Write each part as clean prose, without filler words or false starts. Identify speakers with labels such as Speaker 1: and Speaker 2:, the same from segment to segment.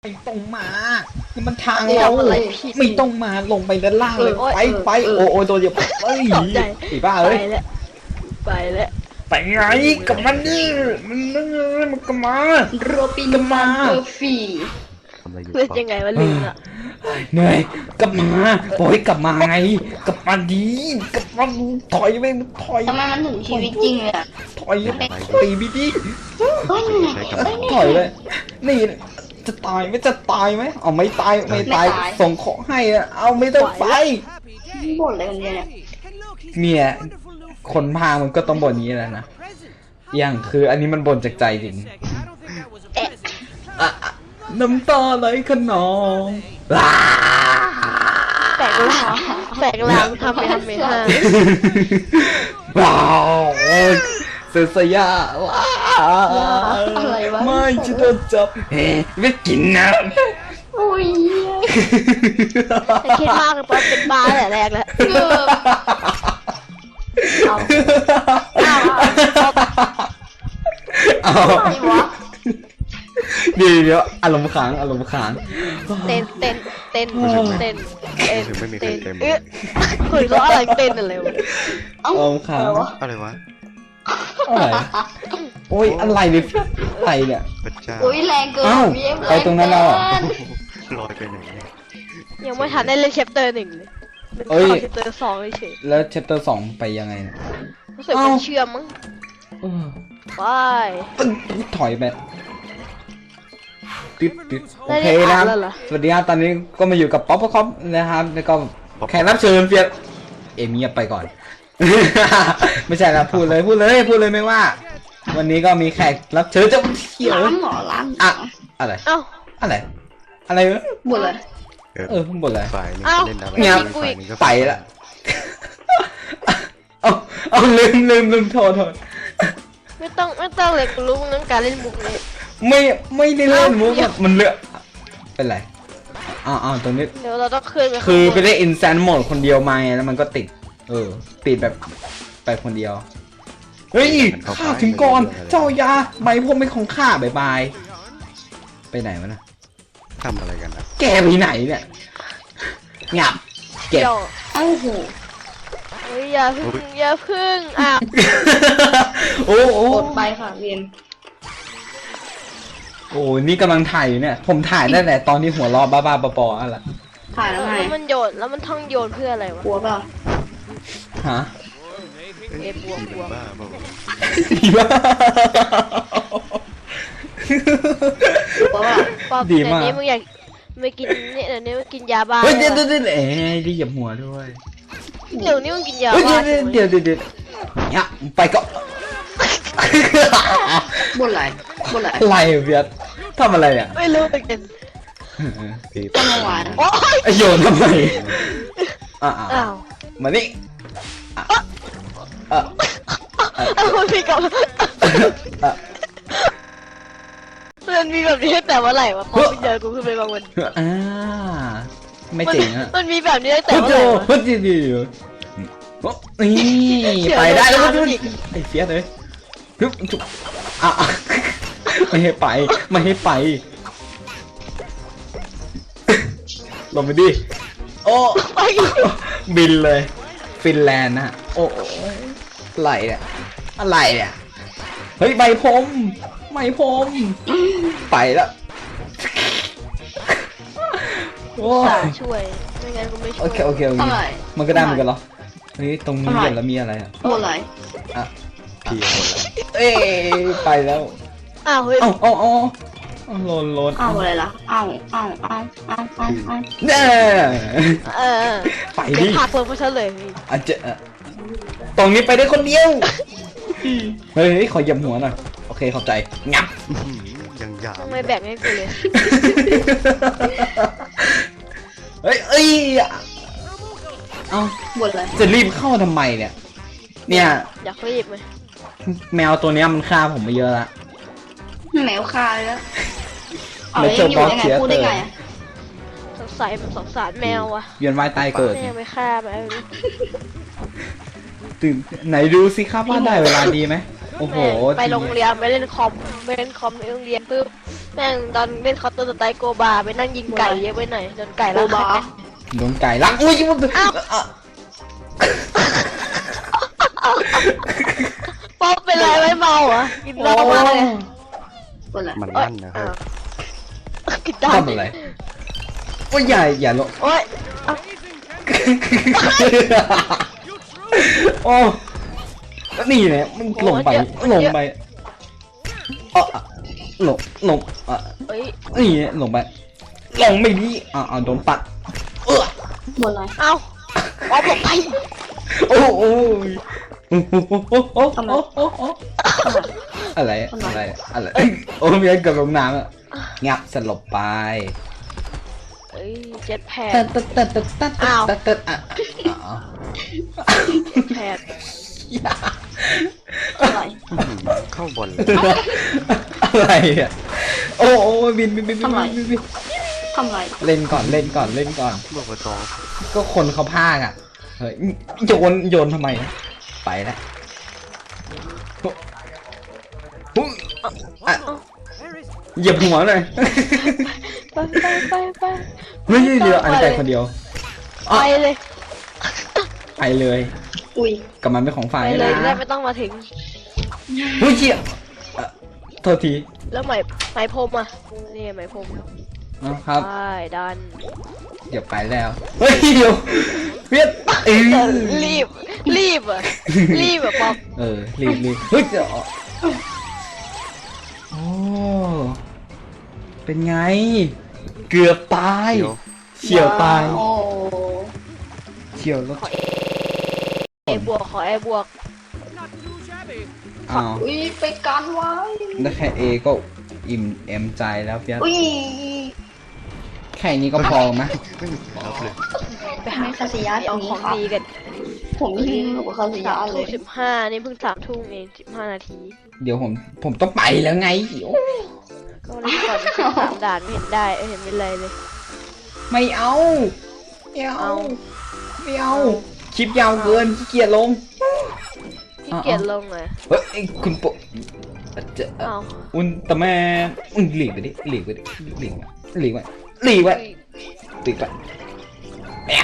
Speaker 1: ไม่ต้องมานี่มันทางเราไม่ต้องมาลงไปด้านล่างเลยไปโอ้โดนเหยียบเอ้ยไอ้บ้าเอ้ย
Speaker 2: ไปแล้ว
Speaker 1: ไปไงกับมันนี่มันก็มา
Speaker 3: โรบินมาเบอร์ฟี่
Speaker 2: เล่นยังไงวะลืมอ่ะ
Speaker 1: เหนื่อยกลับมาบอกให้กลับมาไงกลับมาดีกลับมาถอยไปถอย
Speaker 3: ทำไมมันถึงชีวิตจริงเลยอ่ะ
Speaker 1: ถอยตีพี่ดิถอยเลยนี่จะตายไม่จะตายไหมเอาไม่ตายส่งของให้อะเอาไม่ต้องไป
Speaker 3: บ่นอะไรกันเนี่ย
Speaker 1: เมียคนพามันก็ต้องบ่นนี้แหละนะอย่างคืออันนี้มันบ่นจากใจจริงน้ำตาไหลขนอง
Speaker 2: แปลกลางทำไปห้า
Speaker 1: ว้าวเสียสยะ
Speaker 3: อะไรวะ
Speaker 1: ไม่จะโดนจับไม่กินนะ
Speaker 3: โอ้ย
Speaker 2: คิดมากเลยเพราะเป็นบ้าแต่แรกแล้ว
Speaker 1: อะไรวะเดี๋ยวอารมณ์ค้าง
Speaker 2: เต้นคุยว่าอะไรเต้นอะไรวะ
Speaker 1: อารมณ์ค้าง
Speaker 4: อะไรวะ
Speaker 1: อะไรโอ้ยอะไรเนี่ยอะไรเนี่ย
Speaker 3: โอ้ยแรงเกิน
Speaker 1: ไปตรงนั้นแล้ว
Speaker 4: ลอยไปไหน
Speaker 2: ยังไม่ทันได้เล่นเชปเตอร์หนึ่งเลยเชปเตอร์สองเฉย
Speaker 1: แล้วเชปเตอร์สองไปยังไงเนี่ย
Speaker 2: รู้สึกมันเชื่อมมั้งไป
Speaker 1: ถอยไปติดโอเคนะครับสวัสดีครับตอนนี้ก็มาอยู่กับป๊อปคอปนะครับแล้วก็แขกรับเชิญเฟียสเอมี่ไปก่อนไม่ใช่นะพูดเลยไม่ว่าวันนี้ก็มีแขกรับเชิญจะเที่ยว
Speaker 3: ล้าง
Speaker 1: อะไรอะไร
Speaker 3: บ่นเลย
Speaker 1: บ่นเลย
Speaker 4: เงียบ
Speaker 1: ไปละเอาลืมโทษ
Speaker 2: ไม่ต้องเลยรู้เรื่องการเล่นมุกเลย
Speaker 1: ไม่ได้เล่นมุกมันเลอะเป็นไรตรงนี้
Speaker 2: เดี๋ยวเราต้องขึ้นไป
Speaker 1: คือไปได้อินแซนโหมดคนเดียวมาแล้วมันก็ติดติดแบบไปคนเดียวเฮ้ยข้าถึงก่อนเจ้ายาใบพวกไม่ของข้าบายไปไหนวะนะ
Speaker 4: ทำอะไรกันนะ
Speaker 1: แกไปไหนเนี่ยงับเก็บ
Speaker 3: โอ้โห
Speaker 2: อย่าพึ่ง
Speaker 1: โอ้
Speaker 3: ไปค่ะเรียน
Speaker 1: โอ้นี่กำลังถ่ายอยู่เนี่ยผมถ่ายได้แต่ตอนที่หัวล้อบ้าๆปอๆอะไร
Speaker 3: ถ่ายแล้วไง
Speaker 2: มันโยนแล้วมันท่องโยนเพื่ออะไรวะ
Speaker 3: กลัวเปล่า
Speaker 1: ฮะ
Speaker 2: บวก
Speaker 1: ดีมาก
Speaker 2: ดีมากนี้มึงอยากไม่กินเนี่ยเดี๋ยวนี้มึงกินยาบ้า
Speaker 1: เฮ้ยเดี๋ยวได้เหยียบหัวด้วย
Speaker 2: เดี๋ยวนี้มึงกินยาบ้า
Speaker 1: เดี๋ยวเนี่ยไปก็
Speaker 3: บ่นอะไร
Speaker 1: อะไรเบียดทำอะไรอ่ะ
Speaker 2: ไม่รู้เหมือนกัน
Speaker 3: ต้นหวาน
Speaker 1: โยนทำไมมานี่
Speaker 2: มันมีกับมันมีแบบนี้แต่ว่าไหร่วะพอเจอกูขึ้นไปบางวัน
Speaker 1: ไม่จริงอ่ะ
Speaker 2: มันมีแบบนี้แต่ว่าไหร่วะ
Speaker 1: พูดดีนี่ไปได้แล้วไอ้เฟียสเลยไม่ให้ไปลงไปดิโอ้บินเลยฟินแลนด์นะโอ้อะไรเนี่ยเฮ้ยใบพรมไปแล้ว
Speaker 2: โอ้ช่วยไม่งั้นกูไม่ช่วย
Speaker 1: โอเคมันก็ได้เหมือนกันเหรอเฮ้ยตรงนี้เห็นแล้วมีอะไรอ่ะ
Speaker 3: บ่นอะไร
Speaker 4: พี่หมดแล้ว
Speaker 1: ไปแล้ว
Speaker 2: เฮ้ย
Speaker 1: โลน
Speaker 3: อะไรล่ะ
Speaker 1: เนี่ยไปดิ
Speaker 2: ผักเพิ่มเพราะฉันเลย
Speaker 1: อาจจะตรงนี้ไปได้คนเดียวเฮ้ยขอเหยียบหัวหน่อยโอเคเข้าใจงับ
Speaker 4: ยังยาว
Speaker 2: ไม่แบ่งให้กูเลย
Speaker 1: เฮ้ย
Speaker 3: บ่นอะไร
Speaker 1: จะรีบเข้าทำไมเนี่ย
Speaker 2: อยากรีบไหม
Speaker 1: แมวตัวนี้มันฆ่าผมมาเยอะละ
Speaker 3: แมวฆ่าแล้วไม่เจอบอสเสียเลย
Speaker 2: สงสารแมวอ่ะ
Speaker 1: เวียนว่ายตายเกิด
Speaker 2: ไม่ฆ่าไป
Speaker 1: ตื่นไหนดูสิครับว่าได้เวลาดีไหมโอ้โห
Speaker 2: แม่งไปโรงเรียนไปเล่นคอมในโรงเรียนปุ๊บแม่งตอนเล่นคอร์เตอร์สไตล์โกบาไปนั่งยิงไก่เยอะไปหน่อยโดนไก่
Speaker 3: โก
Speaker 2: แล้ว
Speaker 3: บา
Speaker 1: โดนไก่ลักอุ้ยมัน
Speaker 2: ป๊อปเป็นไรไม่เมาเหรอกินเหล้ามากเลย
Speaker 3: คนละ
Speaker 4: มันลั่นนะค
Speaker 2: อ้า
Speaker 4: รับ
Speaker 2: วกินได้
Speaker 1: ทำอะไรโอ้ยอย่าลง
Speaker 2: โอ้ยเอา
Speaker 1: โอ้แล้วนี่เนี่ยมันลงไปลงอ่ะ
Speaker 2: เอ้ย
Speaker 1: นี่ลงไปลงไม่ดีโดนปัด
Speaker 3: หมดเลย
Speaker 2: เอาป๊อปหลบไป
Speaker 1: โอ้โอ้อะไรโอ้มีอะไรกับลงน้ำอ่ะงับสลบไป
Speaker 2: เอ้ยเจ็ดแพด แพด
Speaker 3: อะไร
Speaker 4: เข้าบอลเลย
Speaker 1: อะไรอ่ะโอ้บิน
Speaker 3: ทำไร
Speaker 1: เล่นก่อน
Speaker 4: บอกว่าต่อ
Speaker 1: ก็คนเขาพากอ่ะเฮ้ยโยนทำไมไปแล้วเหยียบหัวหน่อย
Speaker 2: ไป
Speaker 1: ไม่ใช่เรืออันแต่คนเดียว
Speaker 2: ไปเลย
Speaker 1: ไปเลย
Speaker 3: อุ้ย
Speaker 1: กับมันเป็นของฝ่าย
Speaker 2: ไปเลย
Speaker 1: นะ
Speaker 2: ได้ไม่ต้องมาถึง
Speaker 1: เฮ้ยเชี่ยโทษที
Speaker 2: แล้วไหมพรมอ่ะนี่ไหมพรม
Speaker 1: นะครับ
Speaker 2: ใช่ดัน
Speaker 1: เดี๋ยวไปแล้วเฮ้ยเดี๋ยวเวียด
Speaker 2: รีบอ่ะป๊อป
Speaker 1: รีบเฮ้ยเดี๋ยวโอ้เป็นไง เกือบตาย
Speaker 4: เดี๋ยว
Speaker 1: เฉียวตาย
Speaker 3: โอ้
Speaker 1: เฉียวแล้ว
Speaker 2: ขอเอบวก
Speaker 1: อ้าว
Speaker 3: อุ้ยไปกันไว้
Speaker 1: ได้แค่เอก็อิ่มเอ็มใจแล้วเพียส
Speaker 3: อุ้ย
Speaker 1: แค่นี้ก็พอไหม
Speaker 4: ไม่มีรับเลย
Speaker 2: ไปหา
Speaker 3: คาสิยะตร
Speaker 2: เอา
Speaker 3: งนี้
Speaker 2: ของ
Speaker 3: ครับ
Speaker 2: ดีกัน
Speaker 3: ผมยิงกับคาสิยะเลย
Speaker 2: 3:15นี่เพิ่ง3 ทุ่มเอง15 นาที
Speaker 1: เดี๋ยวผมต้องไปแล้วไงโอ้
Speaker 2: ก็เล่นก่อน3 ด่านไม่เห็นได้เห็นเป็นไรเลย
Speaker 1: ไม่เอาคลิปยาวเกินขี้เกียจลง
Speaker 2: ขี้เกียจลงเลย
Speaker 1: เฮ้ยคุณโปจะ
Speaker 2: เอา
Speaker 1: อุลตร้าแมนหลีกไปดิแอะ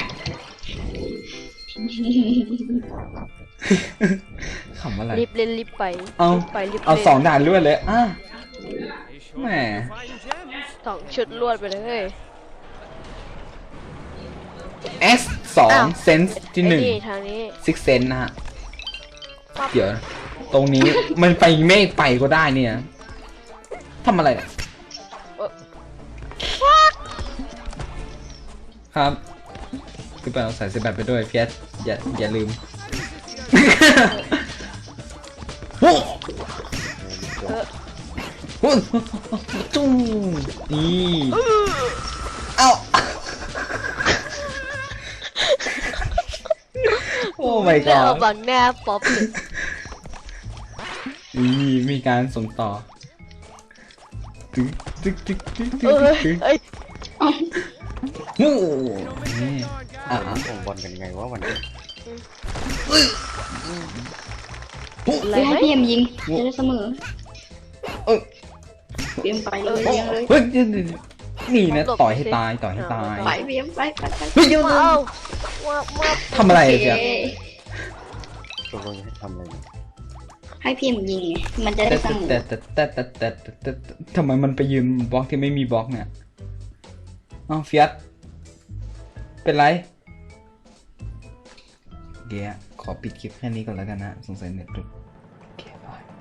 Speaker 1: ขำอะไร
Speaker 2: รีบเล่นรีบไป
Speaker 1: เอา
Speaker 2: รีบ
Speaker 1: เอา
Speaker 2: ล่น
Speaker 1: 2 ด่านรวดเลยแหม
Speaker 2: 2 ชุดรวดไปเลย
Speaker 1: S 2 เซนส์ที่
Speaker 2: ไอ้นี่ทางนี้
Speaker 1: 1 6 เซนนะฮะเดี๋ยวตรงนี้มันไปไม่ไปก็ได้เนี่ยทำอะไรเนี่ยครับคือไปเอาสายเสียบไปด้วยเพียสอย่าลืมโอ้โหจุ้งนี่เอ้าโอ้ my
Speaker 2: แล้ว
Speaker 1: god
Speaker 2: เอาบังหน้าป๊อปเลย
Speaker 1: นี่มีการส่งต่อตึ๊ก
Speaker 2: เอ้ย
Speaker 1: โอ้นี่
Speaker 4: ส่งบอลกันไงวะวันนี้
Speaker 2: อะไร
Speaker 3: ให้
Speaker 2: ไหม
Speaker 3: พี่เอ็มยิงจะได้เสมอ
Speaker 1: เอ้ย
Speaker 3: พี่เอ็มไปเลยยิงเลย
Speaker 1: เฮ้ยนี่นะต่อยให้ตาย
Speaker 3: ไปพี่เอ็มไป
Speaker 1: เฮ้ยเดี๋ยว
Speaker 2: ว้าวว้าว
Speaker 1: ทำอะไรเจ๊
Speaker 4: ตกลงจะให้ทำอะไรเนี่ย
Speaker 3: ให้พี่เอ็มยิงไงมันจะได้เสมอ
Speaker 1: แต่ทำไมมันไปยืนบล็อกที่ไม่มีบล็อกเนี่ยอ้าวเฟียสเป็นไรเดี๋ยวขอปิดคลิปแค่นี้ก่อนแล้วกันนะสงสัยเน็ตหลุดโอเคบาย